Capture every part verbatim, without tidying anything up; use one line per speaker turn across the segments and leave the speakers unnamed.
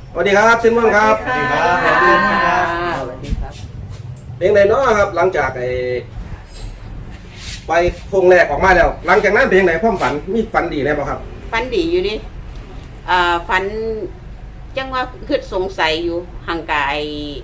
สวัสดีครับเซนมอนครับ
สวัสดีครับ
สวัสดีครับสวัสดีครับ
เพลงไหนเนาะครับหลังจากไอ้ไปโครงแรกออกมาแล้ว หลังจากนั้นเพลงไหนความฝันมีฝันดีแน่ป่ะครับ
ฟันดีอยู่ดิอ่าฟันจังว่าคือสงสัยอยู่ห่างกาย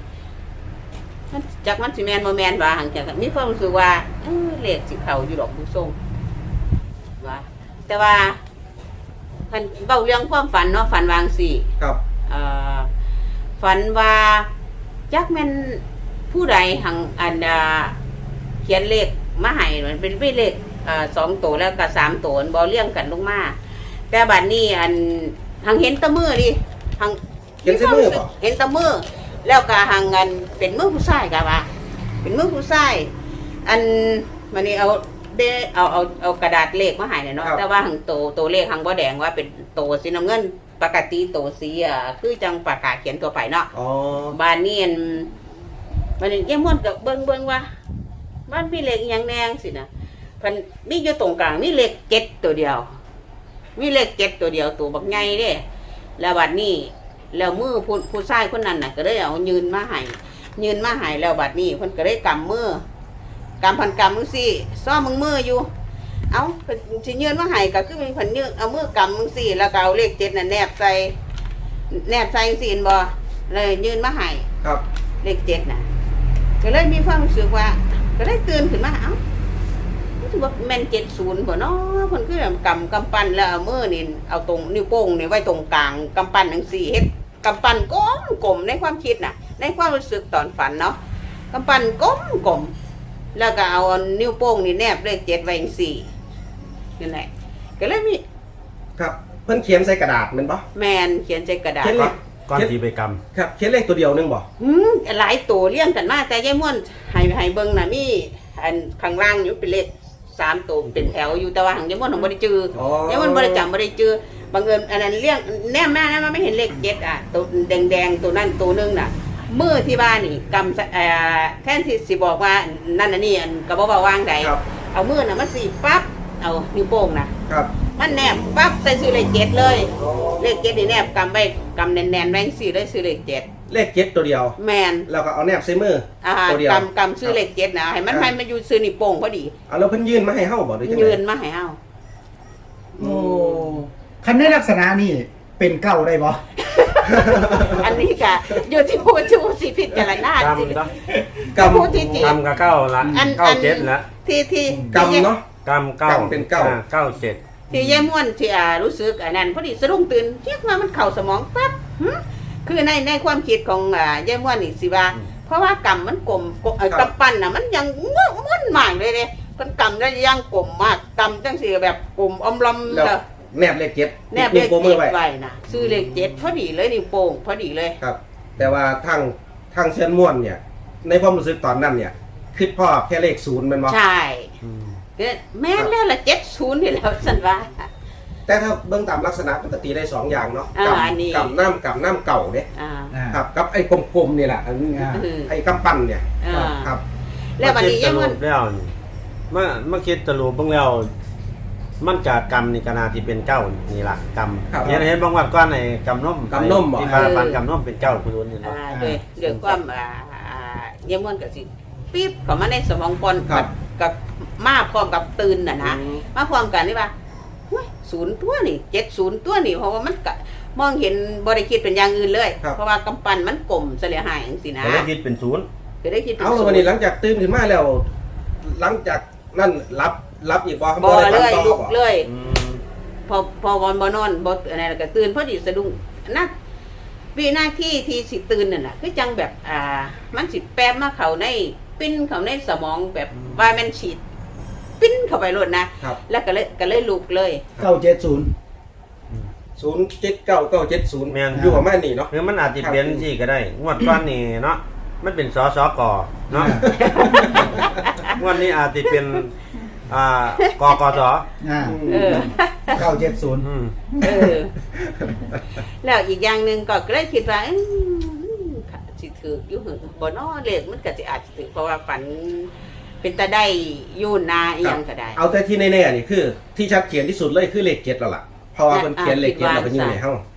จากมันสิแมนโมแมนว่าห่างจากมีความรู้สึกว่าเออเลขสิเขาอยู่ดอกผู้ทรงว่าแต่ว่าพันเบาเรื่องความฝันเนาะฝันวางสี่
ครับ
อ่าฝันว่าจักแม่นผู้ใดหังอันดาเขียนเลขมาให้มันเป็นเลขอ่าสองตัวแล้วก็สามตัวบอเลี่ยงกันลงมาแต่บัดนี้อันหังเห็นตะมือดิหัง
เห็นเส้นมือป่ะ
เห็นตะมือแล้วก็หังอันเป็นมือผู้ชายกะว่าเป็นมือผู้ชายอันมันนี่เอาเดเอาเอาเอากระดาษเลขมาให้เนาะแต่ว่าหังโตโตเลขหังบ่แดงว่าเป็นโตสีน้ำเงินปกติโตสีอ่ะคือจังปากกาเขียนตัวไปเนาะ
อ๋อ
บ้านนี้อันมันนี่ยังม่วนกับเบิ่งเบิ่งว่าบ้านมีเลขอหยังแนงสินะเพันมีอยู่ตรงกลางมีเลขเจ็ดตัวเดียว มีเลขเจ็ดตัวเดียวตัวบักใหญ่เด้แล้วบัดนี้แล้วมือผู้ผู้ชายคนนั้นน่ะก็ได้เอายืนมาให้ยืนมาให้แล้วบัดนี้เพิ่นก็ได้กำมือกำพันกำมือสิซ้อมมึงมืออยู่ เอาเพิ่นสิยืนมาให้ก็คือมีเพิ่นยืนเอามือกำมึงสิแล้วก็เอาเลขเจ็ดน่ะแนบใส่แนบใส่สินบ่เลยยืนมาให้
ครับ
เลขเจ็ดน่ะก็เลยมีความรู้สึกว่า ก็ได้ตื่นขึ้นมาเอ้าถือว่าแม่นเจ็ดศูนย์บ่เนาะคนคือแบบกำกำปั้นแล้วเอามือนี่เอาตรงนิ้วโป้งนี่ไว้ตรงกลางกำปั้นทั้งสี่เฮ็ดกำปั้นก้มกลมในความคิดน่ะ ในความรู้สึกตอนฝันเนาะกำปั้นก้มกลมแล้วก็เอานิ้วโป้งนี่แนบเลขเจ็ดไว้ทั้งสี่นั่นแหละก็เลยมี
ครับเพิ่นเขียนใส่กระดาษแมันป่ะ
แมนเขียนใจกระดาษ
เขียนเลข
ก้อนทีไปกรรม
ครับเขียนเลขตัวเดียวนึงบ่
อืมหลายตัวเลี้ยงกันมาแต่ยายม่วนให้ให้เบิ่งน่ะมีอันข้างล่างอยู่เป็นเลขสามตัวเป็นแถวอยู่แต่ว่าหังยายม่วนของบ่ได้จือ
อ๋อ
ยายม่วนบ่ได้จำบ่ได้จือบังเอิญอันนั้นเลี้ยงแนมมาแนมมาไม่เห็นเลขเจ็ดอ่ะตัวแดงๆตัวนั้นตัวนึงน่ะมือที่บ้านนี่กำเอ่อแทนที่สิบอกว่านั่นน่ะนี่อันก็บ่ว่าวางใด
ครับ
เอามือน่ะมาสีปั๊บเอานิ้วโป้งน่ะ
ครับ
มันแนบปั๊บใส่ซื้อเลขเจ็ดเลยเลขเจ็ดนี่แนบกำไว้กำแน่นๆแรงสี่เลยซื้อเลขเจ็ด
เลขเจ็ดตัวเดียว
แมน
แล้วก็เอาแนบใส่มือ
อ่า
ตัวเดียว
กำกำซื้อเลขเจ็ดนะให้มันให้มันอยู่ซื้อนี่โป่งพอดี
เอาแล้วเพิ่นยื่นมาให้เฮาบ่หรือจังได๋
ยืนมาให้เอา
โอ้คันในลักษณะนี่เป็นเก้าได้บ่
อันนี้กะอยู่ที่ผู้ชูสิพิจารณาก
รรม
สิ
เนาะ
กรรม
ผู้ที่จริง
กรรมกับเก้าละ
อัน
เก้า
อัน
เจ็ดละ
ที่ที่
กรรมเนาะ
กรรมเก้าก
รรมเป็นเก้า
อ่เก้าเจ็ด
ที่ยายม่วนที่อ่ารู้สึกอันนั้นพอดีสะดุ้งตื่นเรียกว่ามันเข่าสมองปั๊บหึคือในในความคิดของอ่ายายม่วนนี่สิว่า เพราะว่ากำมันกลมกลมเอ่อกำปั้นน่ะมันยังม้วนม้วนมากเลยเด้มันกำได้ยังกลมมากกำจังสิแบบกลมอมลำ
แล้ว
เลย
แนบเลขเจ็ด
แนบเลข
วโป้งมื
เจ็
อ
ด
ไว้
ไว้นะซื้อเลขเจ็ดพอดีเลยนี่โป่งพอดีเลย
ครับ แต่ว่าทางทางเชิญม่วนเนี่ย ในความรู้สึกตอนนั้นเนี่ยคือพ่อแค่เลขศูนย์แมันบ่
ใช่แม่นแล้วละเจ็ดศูนย์นี่แล้วสันว่า
แต่ถ้าเบื้องตามลักษณะปกติได้สองอย่างเนาะ
อ่า
กับ
อันนี้
กับน้ำกับน้ำเก่าเนี่ย
อ่า
อ่า
ครับกับไอ้กลมๆนี่แหละอันนี้
อ่า
ไอ้กำปั้นเนี่ย
อ่า
ครับ
แล้ววันนี้
มาคิด
ยัง
ส
มั
รุ
น
ปแล้วนี่มามาคิดสรุปเบ้างแล้วมันจากกรรมนี่กนาที่เป็นเก้านี่ล่ะกรรม
ครับ
เห็นเห็นบางวันก้อนในกรรมนม
กำนมบ่
ที่มาฟันกรรมนมเป็นเก้าคุณรู้นี่
อ่า
เนาะ
ด้วยด้วยความอ่าอ่ายังมันกับสิปี๊บเข้ามาในสมองปน
ครับ
กับมาพร้อมกับตื่นน่ะนะ
อืม
มาพร้อมกันนี่ว่าเฮ้ยศูนย์ตัวนี่เจ็ดศูนย์ตัวนี่เพราะว่ามันกะมองเห็นบริคิดเป็นอย่างอื่นเลย
ครับ
เพราะว่ากำปั้นมันกลมเสลียหายอย่างสินะ
ก็ได้คิดเป็นศูนย์
คือได้คิดเป็น
เอา
ศู
วัน
น
นี้
ย์
หลังจากตื่นขึ้นมาแล้ว หลังจากนั่นรับรับอีกบ่
บ่
ได้
เล
ฝัน
ย
ต่อ
ลุก
บ่
เลย
อืม
พอพอวันบอนอนบออะไรแล้วก็ตื่นพอดีสะดุ้งนะวินาทีที่สิตื่นนั่นแหละคือจังแบบอ่า มันสิแปบมาเขาในปิ้นเขาในสมองแบบว่ามันฉีด ปิ้นเข้าไปรดนะครับ แล้วก็เลยก็เลยลุกเลย
เก้าเจ็ดศูนย์
ศูนย์เจ็ดเก้าเก้าเจ็ดศูนย์
แม่น
อยู่ประมาณนี้เนาะ
หรือมันอาจจะเป็นที่ก็ได้งวดก้อนนี่เนาะมันเป็นสอสอกอเนาะงวดนี้อาจจะเป็นอ่ากกส
อ่า
เออ
เก้าเจ็ดศูนย์
อืม
เออ แล้วอีกอย่างหนึ่งก็เลยคิดว่าอื้อสิถืออยู่หึบ่นอเลขมันก็สิอาจจะถือเพราะว่าฝัน เป็นตาได้อยู่นาอีหยังก็ได้
เอาแต่ที่แน่ๆนี่คือ ที่ชัดเจนที่สุดเลยคือเลขเจ็ดแล้วล่ะเพราะว่ามันเขียนเลขเจ็ดแล้วก็อยู่ในเฮ้า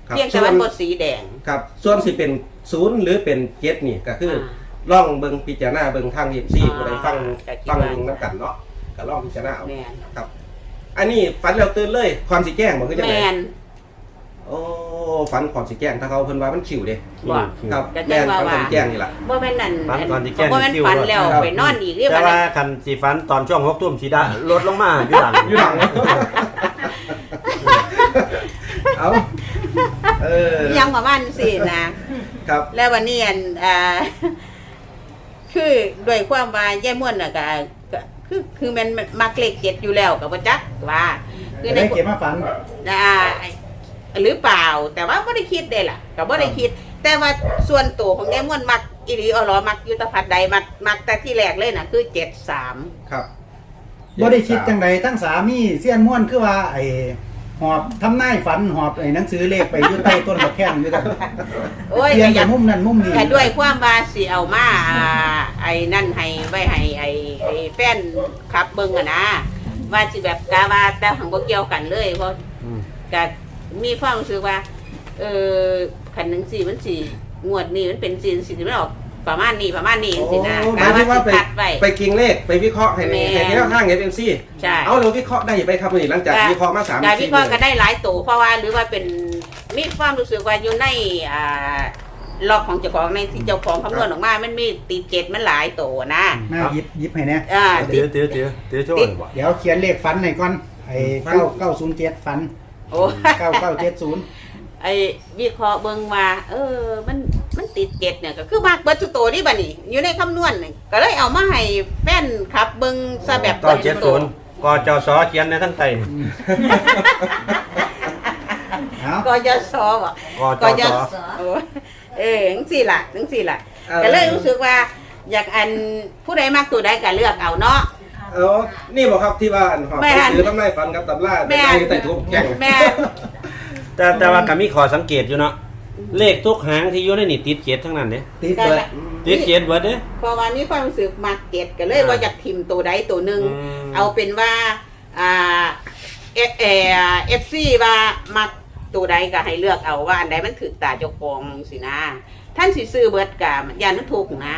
ครับ
เพียงแต่ว่าบทสีแดง
ครับส่วนสิเป็นศูนย์หรือเป็นเจ็ดนี่ก็คือล่องเบิงพิจารณาเบิงทางเอฟซีผู้ใดฟังฟังเบิงน้ำกันเนาะก็ล่องพิจารณาเอา
แมน
ครับ อันนี้ฝันแล้วตื่นเลยความสิแกล้งบ่คือจัง
แม
ได๋
น
โอ้ฝันความสิแกล้งถ้าเขาเพิ่นว่ามันขิวเด้
ว่า
ครับ
ก็
แม่
จัง
น
ว่า
ฝันความ
ว่า
สิแกล้งนี่ล่ะ
บ่แม่นนั่น
ฝันก่อนสิแกล้ง
บ่แม่น
คิว
ฝันแล้ว
ครับ
ไปนอนอีกเรียก
แต่
ว่า
ว่าคันสีฟันตอนช่วงหกทุ่มสีดาลดลงมาอยู่หลัง
อยู่หลัง เอาเออ
ยังประมาณสินะครับ แล้ววันนี้อันอ่า คือด้วยความว่าแย่ม่วนน่ะก็ก็คือคือมันมักเลขเจ็ดอยู่แล้วกับว่าจักว่าคือใน
ได้เก็บมาฝัน
อ่าหรือเปล่า แต่ว่าไม่ได้คิดได้ล่ะก็ไม่ได้คิด แต่ว่าส่วนตัวของแย่ม่วนมักอีหลีอรอมักยุทธภัทรใดมักมักแต่ที่แรกเลยน่ะคือเจ็ดสาม
ครับ
บ่ได้คิดจังไดทั้งสามีเสี้ยนม่วนคือว่าไอ้หอบทำนายฝันหอบไอ้หนังสือเลขไปอยู่ใต้ต้นบักแข้งอยู่กัน
โอ้ย
เปลี่ยน
อ
จา
ย่าก
มุมนั้นมุมนี้
แต่ด้วยความว่าสิเอามาอ่าไอ้นั่นให้ไว้ให้ไอ้ไอ้แฟนขับเบิ่งอะนะว่าสิแบบกาว่าแต่หังบ่เกี่ยวกันเลยเพราะ
อืม
ก็มีความรู้สึกว่า เออขันหนึ่งสี่มันสี่งวดนี้มันเป็นสี่สี่มันออกประมาณนี้ประมาณนี้
โอ้
สินะ
หมายถึงว่าไป
ตัดไว้
ไปกิงเลขไปวิเคราะห์ให้ใน
แม่
ให้ในแนวทางเอฟเอ็มซี
ใช่
เอาเราวิเคราะห์ได้ไปครับนี่หลังจากวิเคราะห์มาสาม
การ
สี่
วิเคราะห์ก็ได้หลายตัวเพราะว่าหรือว่าเป็นมีความรู้สึกว่าอยู่ในอ่าล็อกของเจ้าของในที่เจ้าของคำนวณออกมา มันมีตีเจ็ดมันหลายตัวนะ
แม่หยิบหยิบให้แน่
อ่า
เดี๋ยวเดี๋ยวเดี๋ยวเดี๋ยวช่วยบ่
เดี๋ยวเขียนเลขฝันให้ก่อนไอ้เก้าเก้าศูนย์เจ็ดฝัน
โอ้
เก้าเก้าเจ็ดศูนย์
ไอ้วิเคราะห์เบิ่งว่าเออมันมันติดเจ็ดเนี่ยก็คือมากเบิดสุโตนี่บัดนี้อยู่ในคำนวณนี่ก็เลยเอามาให้แฟนครับเบิ่งซะแบบ
ต่อเจ็ดศูนย์กจสเขียนในทั้งไต
เอา
ก็จะสอบ่
กจส
โอ้เออจังซี่ล่ะจังซี่ล่ะก็เลยรู้สึกว่า อยากอันผู้ใดมักตัวใดก็เลือกเอาเนาะ
เออนี่บอกครับที่ว่าอันหอบ
แม่
หนั
น
งสือทำนายฝันกับตำรา
แม่
แต่
น
ในใต้ทุกแก่ง
แม่
แต่แต่ว่าก็มีข้อสังเกตอยู่เนาะเลขทุกหางที่อยู่ในนี่ติดเจ็ดทั้งนั้นเด้
ติดเบิด
ติดเจ็ดเบิดเด้
เพราะว่ามีความรู้สึกมักเก็ตก็เลยว่าอยากทิมตัวใดตัวหนึง
อืม
เอาเป็นว่าอ่าเอเอเอฟซีว่ามักตัวใดก็ให้เลือกเอาว่าอันใดมันถือตาเจ้าของสินะท่านสิซื้อเบิดกะยานมันถูกนะ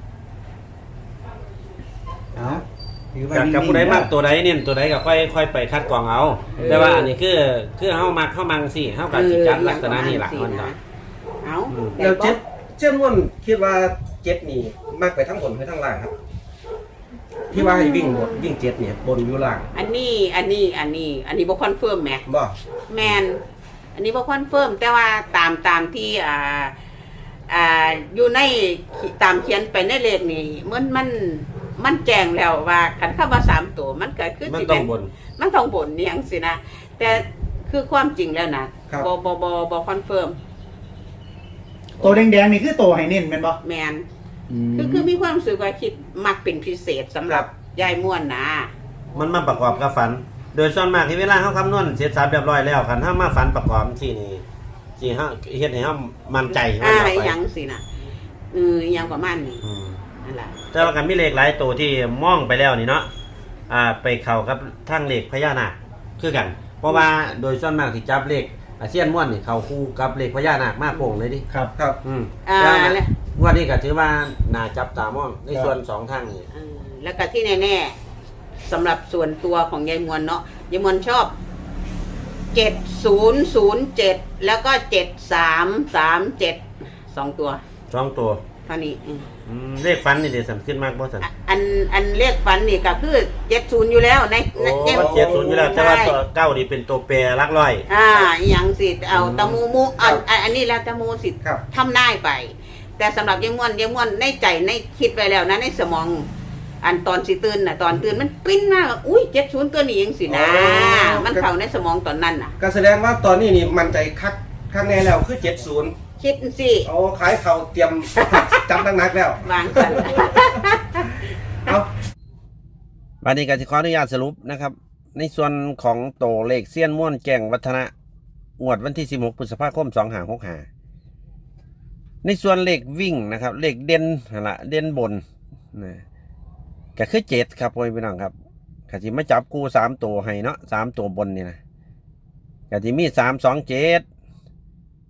เอาถือว่า
กับ
นิ่งๆ
กับผู้ใดมากตัวใดเนี่ยตัวใดก็ค่อยค่อยไปคัดกรองเอา แต่ว่าอันนี้คือคือเฮามักเฮามังสิเฮาก็สิจัดลักษณะนี้ล่ะมันก็
เอา
อืม
แล้วเจ็ดเจ้าม่วนคิดว่าเจ็ดนี่มากไปทั้งบนหรือทั้งล่างครับ ที่ว่าให้วิ่งบนวิ่งเจ็ดเนี่ยบนอยู่ล่าง
อันนี้อันนี้อันนี้ อันนี้บ่คอนเฟิร์มแหม
บ่
แมนอันนี้บ่คอนเฟิร์มแต่ว่าตามตามที่อ่าอ่าอยู่ในตามเขียนไปในเลขนี่มันมันมันแจ้งแล้วว่าคันเข้ามาสามตัวมันก็คือ
มัน
สิ
ต้อ
เป็
ง
น
บน
มันต้องบนนี่ยังสินะแต่คือความจริงแล้วนะบอบอบอบอคอนเฟิร์ม
ตัวแดงๆนี่คือตัวให้เน้นแม่นบ่
แมนคือคือมีความรู้สึกว่าคิดมักเป็นพิเศษสำหรับยายม่วนนะ
มันมาประกอบกับฝัน โดยส่วนมากที่เวลาเฮาคำนวณเสร็จสับเรียบร้อยแล้วคันเฮามาฝันประกอบที่นี่สิเฮาเฮ็ดให้เฮามั่นใจว่า
อ่า
เอา
อะไร
ไป
ยังสินะเอออยังประมาณนี้
อืม
นั่นแหละ
แต่ว่ากันมีเลขหลายตัวที่มองไปแล้วนี่เนาะอ่าไปเข้ากับทางเลขพญานาคคือกัน เพราะว่าโดยส่วนมากที่จับเลขอาเซียนม่วนนี่เข้าคู่กับเลขพญานาคมากโป่งเลยดิ
ครับ
ครับ
อืม
อ่า
แล้วนะ
แล้ว
งวดนี้ก็ถือว่าน่าจับตามองในส่วนสองทางนี่
เออแล้วก็ที่แน่ๆสำหรับส่วนตัวของยายมวลเนาะยายมวลชอบเจ็ดศูนย์ศูนย์เจ็ดแล้วก็เจ็ดสามสามเจ็ดสองตัว
สองตัว
เท่านี้อืม
อืมเลขฟันนี่เดี๋ยวสำคัญมากบ่สัน
อ่ะอันอันเลขฝันนี่ก็คือเจ็ดศูนย์อยู่แล้วใน
โอ้
ในใน
มันเจ็ดศูนย์อยู่แล้วแต่ว่าตัวเก้านี่เป็นตัวแปรหลักร้อย
อ่าอหย่างสิเอา
อืม
ตะมูมูอันอันอันนี้แล้วตะมูสิ
ครับ
ทำได้ไป แต่สำหรับยายมวลยายมวลในใจในคิดไว้แล้วนะในสมอง อันตอนสิตื่นน่ะตอนตื่นมันปิ้นมากอุ้ยเจ็ดศูนย์ตัวนี้เองสินะ
อ๋อ
มันเข้าในสมองตอนนั้นน่ะ
ก็แสดงว่าตอนนี้นี่มันใจคักข้างในแล้วคือเจ็ดศูนย์
คิดสิ
เอาขายเขาเตรียม จับนักๆแล้ว
วางสัน
เอา
วันนี้ก็จะขออนุญาตสรุปนะครับ ในส่วนของโตเลขเซียนม่วนแก่งวัฒนะงวดวันที่สิบหกพฤษภาคมสองห้าหกห้าในส่วนเลขวิ่งนะครับ เลขเด่นนั่นละเด่นบนนะก็คือเจ็ดครับพ่อพี่น้องครับกะจิมาจับกูสามตัวให้เนาะสามตัวบนนี่นะกะจิมีสามสองเจ็ด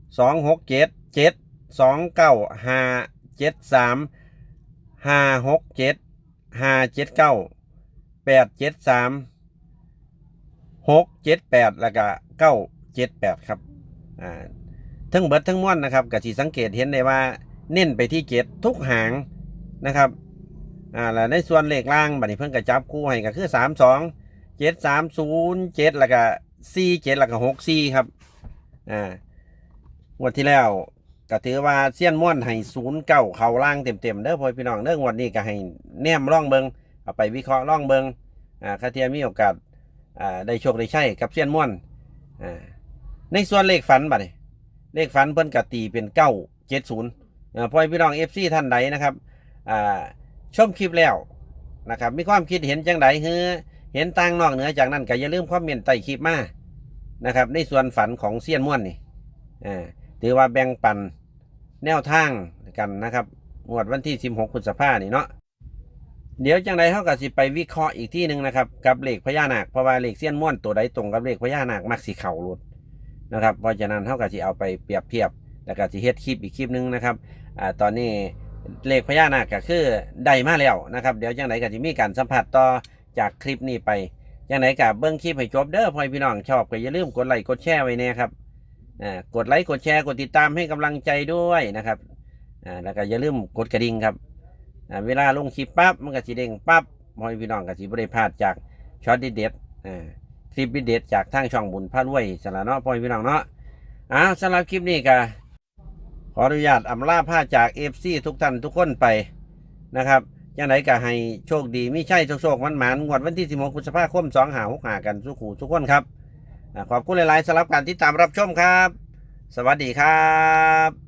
สองหกเจ็ดเจ็ดสองเก้าห้าเจ็ดสามห้าหกเจ็ดห้าเจ็ดเก้าแปดเจ็ดสามหกเจ็ดแปดแล้วก็เก้าเจ็ดแปดครับอ่าทั้งเบิดทั้งม้วนนะครับก็สิสังเกตเห็นได้ว่าเน้นไปที่เจ็ดทุกหางนะครับอ่าแล้วในส่วนเลขล่างบัดนี้เพิ่นก็จับคู่ให้ก็คือสามสองเจ็ดสามศูนย์เจ็ดแล้วก็สี่เจ็ดแล้วก็หกสี่ครับอ่างวดที่แล้วก็ถือว่าเซียนม้วนให้ศูนย์เก้าเข้าล่างเต็มๆเด้อพ่อพี่น้องเด้องวดนี้ก็ให้แนมร่องเบิงเอาไปวิเคราะห์ร่องเบิงอ่าคาเทียมีโอกาสอ่าได้โชคได้ใช้กับเซียนม้วนอ่าในส่วนเลขฝันบัดนี้เลขฝันเพิ่นก็ตีเป็นเก้าเจ็ดศูนย์อ่าพ่อพี่น้องเอฟซีท่านใดนะครับอ่าชมคลิปแล้วนะครับมีความคิดเห็นจังไดเฮ้อเห็นต่างนอกเหนือจากนั้นก็อย่าลืมคอมเมนต์ใต้คลิปมานะครับในส่วนฝันของเซียนม้วนนี่อ่าถือว่าแบ่งปันแนวทางกันนะครับงวดวันที่สิบหกพฤษภาคมนี่เนาะเดี๋ยวจังไดเฮาก็สิไปวิเคราะห์อีกที่หนึ่งนะครับกับเลขพญานาคเพราะว่าเลขเซียนม้วนตัวใดตรงกับเลขพญานาคมักสิเข้ารุดนะครับเพราะฉะนั้นเฮาก็สิเอาไปเปรียบเทียบแล้วก็สิเฮ็ดคลิปอีกคลิปหนึงนะครับอ่าตอนนี้เลขพญานาคก็คือได้มาแล้วนะครับเดี๋ยวจังไดก็สิมีการสัมผัสต่อจากคลิปนี้ไปจังไดก็เบิ่งคลิปให้จบเด้อพ่อพี่น้องชอบก็อย่าลืมกดไลค์กดแชร์ไว้แน่ครับอ่ากดไลค์กดแชร์กดติดตามให้กำลังใจด้วยนะครับอ่าแล้วก็อย่าลืมกดกระดิ่งครับอ่าเวลาลงคลิปปั๊บมันก็สิเด้งปั๊บพ่อพี่น้องก็สิบ่ได้พลาดจากช็อตเด็ดๆอ่าคลิปเด็ดๆจากทางช่องบุญพารวยสละเนาะพ่อพี่น้องเนาะอ้าวสำหรับคลิปนี้ก็ขออนุญาตอำลาพาจาก เอฟ ซี ทุกท่านทุกคนไปนะครับจังไดก็ให้โชคดีมีชัยโชคๆมันหมานงวดวันที่สิบหกพฤษภาคมสองห้าหกห้ากันสุขูทุกคนครับขอบคุณหลายๆสำหรับการติดตามรับชมครับสวัสดีครับ